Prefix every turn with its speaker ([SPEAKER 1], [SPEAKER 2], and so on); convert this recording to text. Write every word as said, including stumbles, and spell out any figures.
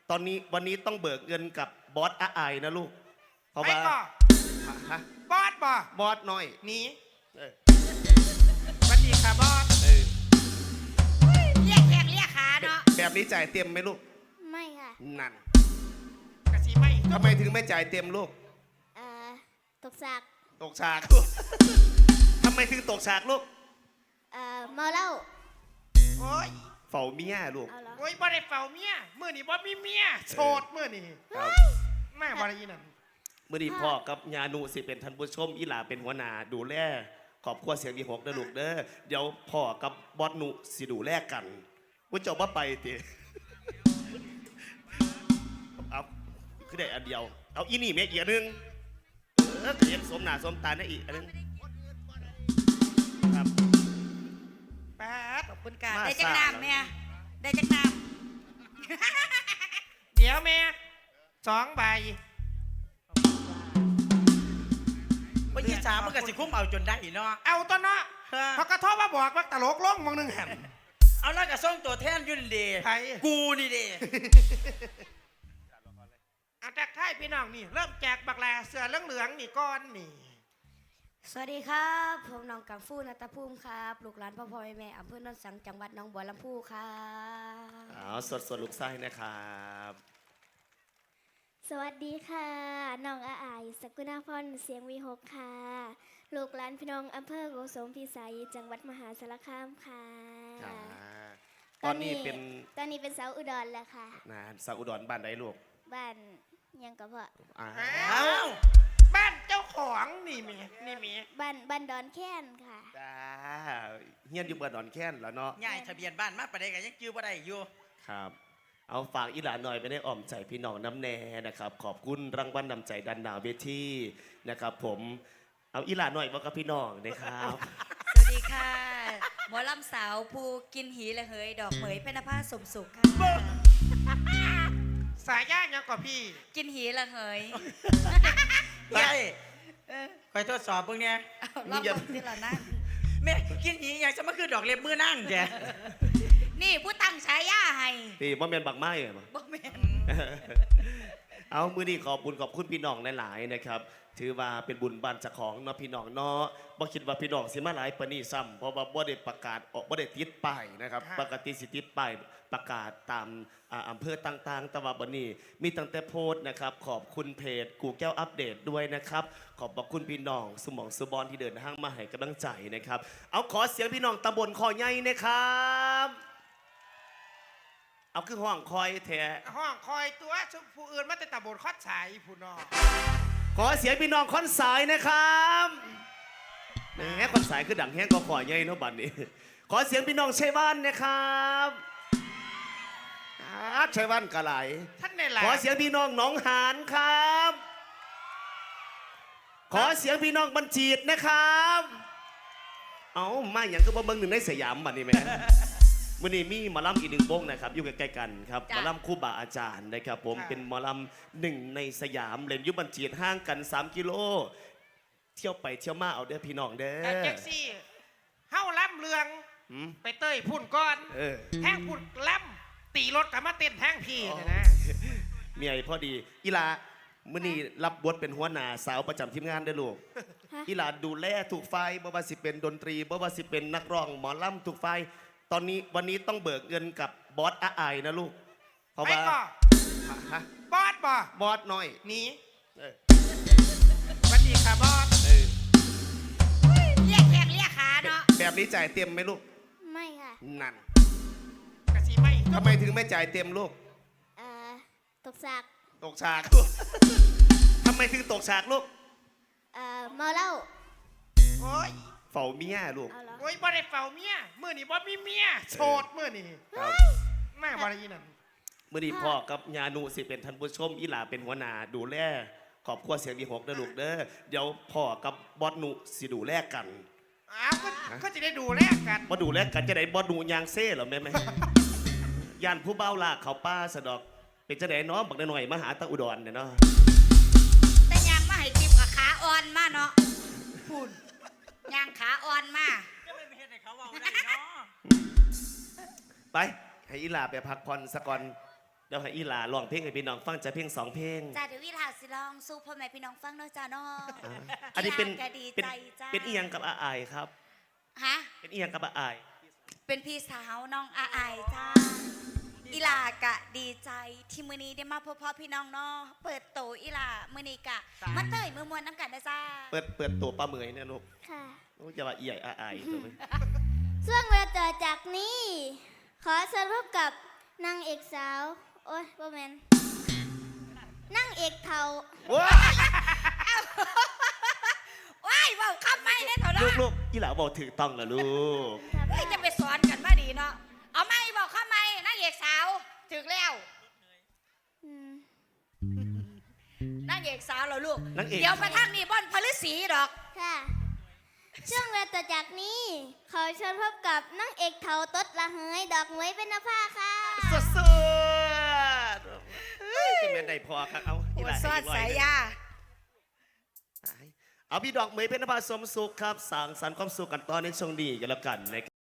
[SPEAKER 1] ตอนนี้วันนี้ต้องเบิกเงินกับบอสอาไอนะลูกเพราะว่าฮะ
[SPEAKER 2] บอสบ่
[SPEAKER 1] บอสน้อย
[SPEAKER 2] หนี
[SPEAKER 1] เออ
[SPEAKER 2] สวัสดีค่ะบอส
[SPEAKER 1] เออ
[SPEAKER 3] เรียกแขกเรียกขาเนาะ
[SPEAKER 1] แบบนี้จ่ายเต็มไหมลูก
[SPEAKER 3] ไม่ค่ะ
[SPEAKER 1] นั่น
[SPEAKER 2] กะสีไม่
[SPEAKER 1] ทำไมถึงไม่จ่ายเต็มลูก
[SPEAKER 3] เอ่อตกฉาก
[SPEAKER 1] ตกฉากทำไมถึงตกฉากลูก
[SPEAKER 3] เอ่อเมาเหล้า
[SPEAKER 2] โอ้ย
[SPEAKER 1] เฝ้าเมียลูก
[SPEAKER 2] โอ้ยบ่ได้เฝ้าเมียมื่อนี่บ่มีเมียโสดมื่อนี่แม่บ่ได้ยินนั่น
[SPEAKER 1] มื่อนี้พ่อกับยานูสิเป็นท่านผู้ชมอีหลาเป็นหัวหน้าดูแลขอบครัวเสียงดีหกเด้อลูกเด้อเดี๋ยวพ่อกับบอสนุสิดูแลกันว่าเจ้าบ่ไปติเอาคือได้อันเดียวเอาอีนี่แม่อีกอันนึงเออเขียนสมหน้าสมตาได้อีกอันนึงครับ
[SPEAKER 2] แป๊ด
[SPEAKER 3] ขอบคุณค่ะได้จักน้ำแม่ได้จักน้
[SPEAKER 2] ำเดี๋ยวแม่สองใบ
[SPEAKER 4] วันที่สามมันก็สิคุ้มเอาจนได้เนาะ
[SPEAKER 2] เอาตัวเนาะเขากระทบมาบอกว่าตลกล่องมองหนึ่งแห่ง
[SPEAKER 4] เอาแล้วก็ส่งตัวแทนยุ่นดีกูนี่ดี
[SPEAKER 2] อาจากท้ายพี่น้องนี่เริ่มแจกบักแลเสือเหลืองๆนี่ก้อนนี่
[SPEAKER 3] สวัสดีครับผมน้องกังฟูนัตภูมิครับลูกหลานพ่อพ่อแม่อำเภอโนนสังจังหวัดหนองบัวลำพูครับ
[SPEAKER 1] อ๋อสดสดลูกไส้นะครับ
[SPEAKER 3] สวัสดีค่ะน้องอาอายสกุณาพรเสียงวีหกค่ะลูกหลานพี่น้องอำเภอโกสมพิสัยจังหวัดมหาสารคามค่ะ
[SPEAKER 1] ตอนนี้เป็น
[SPEAKER 3] ตอนนี้เป็นสาวอุดรแล้วค่ะ
[SPEAKER 1] นะสาวอุดรบ้านไหนลูก
[SPEAKER 3] บ้านยังกับพ่อ
[SPEAKER 2] อ้าวบ้านเจ้าของนี่มีนี่มี
[SPEAKER 3] บ้านบ้านดอนแค้นค่ะ
[SPEAKER 1] จ้าเฮียนอยู่บ้านดอนแค้นแล้วเนาะ
[SPEAKER 4] ง่ายทะเบียนบ้านมาประเดี๋ยวกันยังจื้อบ่ได้อยู่
[SPEAKER 1] ครับเอาฝากอีหลานหน่อยไปได้อ่อมใจพี่น้องน้ำแน่นะครับขอบคุณรางวัลนำใจดันดาวเวทีนะครับผมเอาอีหลานหน่อยบอกกับพี่น้องนะครับ
[SPEAKER 3] สวัสดีค่ะหมอลำสาวภูกินหีและเหยดอกเหมยเพนภาสมสุขค่ะ
[SPEAKER 2] สายย่ายังกว่าพี่
[SPEAKER 3] กินหีและเหย
[SPEAKER 4] ใช่คอยทดสอบพวกเนี้ย
[SPEAKER 3] รอบที่เรานั่ง
[SPEAKER 4] แม่กินหีอย่างจะมาคือดอกเล็บมือนั่งแก
[SPEAKER 3] นี่ผู้ตั้งฉายาให้
[SPEAKER 1] ตีบ่แม่นบักไม้เหรอ
[SPEAKER 3] บ่แม่น
[SPEAKER 1] เอามือนี้ขอบบุญขอบคุณพี่น้องหลายๆนะครับถือว่าเป็นบุญบานเจ้าของเนาะพี่น้องเนาะบ่คิดว่าพี่น้องสิมาหลายปานนี้ซ้ำเพราะว่าบ่ได้ประกาศออกบ่ได้ติดป้ายนะครับปกติสิติดป้ายประกาศตามอำเภอต่างๆแต่ว่าบัดนี้มีตั้งแต่โพสต์นะครับขอบคุณเพจกูแก้วอัปเดตด้วยนะครับขอบคุณพี่น้องสมองสุบอนที่เดินทางมาให้กำลังใจนะครับเอาขอเสียงพี่น้องตำบลคอใหญ่นะครับเอาคือห้องคอยแท้
[SPEAKER 2] ห้องคอยตัวผู้อื่นมาแต่ตะบนคอดสายผู้น้อง
[SPEAKER 1] ขอเสียงพี่น้องคอนสายนะครับแหมคอนสายคือดังแห้งก็ขอใหญ่เนาะบัดนี้ขอเสียงพี่น้องชัยบ้านนะครับชัยบ้านกะไหล
[SPEAKER 2] ท่านในหลาย
[SPEAKER 1] ขอเสียงพี่น้องหนองหานครับขอเสียงพี่น้องบัญชีดนะครับเอามาอย่างก็บ่เบิ่งหนึ่งในสยามบัดนี้แม่วันนี้มีหมอลำอีกหนึ่งวงนะครับอยู่ใกล้ๆกันครับหมอลำคู่บาอาจารย์นะครับผมเป็นหมอลำหนึ่งในสยามเล่นยุบัญชีห่างกันสามกิโลเที่ยวไปเที่ยวมาเอาเด้อพี่น้องเด้อ
[SPEAKER 2] แจ็คซี่เฮ้าล่ำเรืองไปเต้ยพุ่นก้อนแห้งพุ่นล่ำตีรถกับมาเต้นแห้งพี่นะ
[SPEAKER 1] เมียพอดีอีลามื่อนี้รับบทเป็นหัวหน้าสาวประจำทีมงานได้ลูกอีลาดูแลถูกไฟบ่ว่าสิเป็นดนตรีบ่ว่าสิเป็นนักร้องหมอลำถูกไฟตอนนี้วันนี้ต้องเบิกเงินกับบอสอาไอนะลูกเพราะว่า
[SPEAKER 2] บอสบ่
[SPEAKER 1] บอสน้อย
[SPEAKER 2] หนีสวัสดีค่ะบอส
[SPEAKER 3] เรียกแขกเรียกขาเนาะ
[SPEAKER 1] แบบนี้จ่ายเต็มไหมลูก
[SPEAKER 3] ไม่ค่ะ
[SPEAKER 1] นั่น
[SPEAKER 2] กะสีไม่
[SPEAKER 1] ทำไมถึงไม่จ่ายเต็มลูก
[SPEAKER 3] เอ่อตกฉาก
[SPEAKER 1] ตกฉากทำไมถึงตกฉากลูก
[SPEAKER 3] เอ่อเมาเหล้า
[SPEAKER 2] โอ้ย
[SPEAKER 1] เฝ้าเมียลูก
[SPEAKER 2] โอ้ยบ่ได้เฝ้าเมียมื่อนี่บ่มีเมียโสดมื่อนี่แม่บ่ได้ยินนั่น
[SPEAKER 1] มื่อนี้พ่อกับยานูสิเป็นท่านผู้ชมอีหลาเป็นหัวหน้าดูแลขอบครัวเสียงดีหกเด้อลูกเด้อเดี๋ยวพ่อกับบอสนุสิดูแลกัน
[SPEAKER 2] อ้าวก็จะได้ดูแลกัน
[SPEAKER 1] บ่ดูแลกันจะได้บอสนุยางเซ่หรอแม่แม่ยันผู้เบ้าลากเขาป้าสะดอกเป็นจะได้น้องบักหน่อยมาหาตาอุดรเนี่ยเนาะ
[SPEAKER 3] แต่ยางมาให้ทิมกับขาอ่อนมาเนาะพูดยางขาอ่อนมา
[SPEAKER 1] ไปให้อีหลาไปพักผ่อนสักก่อนเดี๋ยวให้อีหลาร้องเพลงให้พี่น้องฟังจะเพลงสองเพลง
[SPEAKER 5] จ้าเดี๋ยววิลาสิลองสู้พ่อแม่พี่น้องฟังเนาะจ้าเนาะ
[SPEAKER 1] อ่าอันนี้เป็น
[SPEAKER 5] อีหลาก็ดี
[SPEAKER 1] เป็น
[SPEAKER 5] ใจจ้า
[SPEAKER 1] เป็นอีหยังกับอาอายครับ
[SPEAKER 5] ฮะ
[SPEAKER 1] เป็นอีหยังกับอาอาย
[SPEAKER 5] เป็นพี่สาวน้องอาอายจ้าอีหลากะดีใจที่มื้อนี้ได้มาพบพ่อพี่น้องเนาะเปิดโตอีหลามื้อนี้กะมาเตยมือมวนน้ำกันนะจ้า
[SPEAKER 1] เปิดเปิดตัวป้าเหมยเนี่ยลูก
[SPEAKER 3] ค่ะ
[SPEAKER 1] ลูกจะว่าอีใหญ่อาอายตัวไหม
[SPEAKER 3] ช่วงเวลาต่อจากนี้ ขอเชิญพบกับนางเอกสาว โอ้ยบ่แมนนางเอกเทา
[SPEAKER 1] ว้า
[SPEAKER 5] ว้ายเว้าคำไม่ได้เถอะ
[SPEAKER 1] ลู
[SPEAKER 5] เนาะ
[SPEAKER 1] กลูกอีหลาบอกถือต้องเหรอลูก
[SPEAKER 5] เฮ้ยจะไปสอนกันมาดีเนาะเอาไม่บอกคำไม่นางเอกสาวถึงแล้ว
[SPEAKER 3] อืม
[SPEAKER 5] นางเอกสาวเหรอลูก
[SPEAKER 1] นางเอก
[SPEAKER 5] เดี๋ยวมาทางนี้บ่อนพฤษีดอก
[SPEAKER 3] ค่ะ ช่วงเวลาต่อจากนี้ ขอเชิญพบกับนางเอกเทาตดละเฮยดอกเหมยเป็นนภาค่ะ
[SPEAKER 1] สดสดจะแม่นได้พอครับเอาอีหลาให้
[SPEAKER 5] สอด
[SPEAKER 1] อีกร้อย
[SPEAKER 5] สาย
[SPEAKER 1] หนึ่ง
[SPEAKER 5] ยา
[SPEAKER 1] เอาพี่ดอกเหมยเป็นนภาสมสุขครับสั่งสรรค์ความสุขกันตอนในช่วงนี้กันแล้วกันนะครับ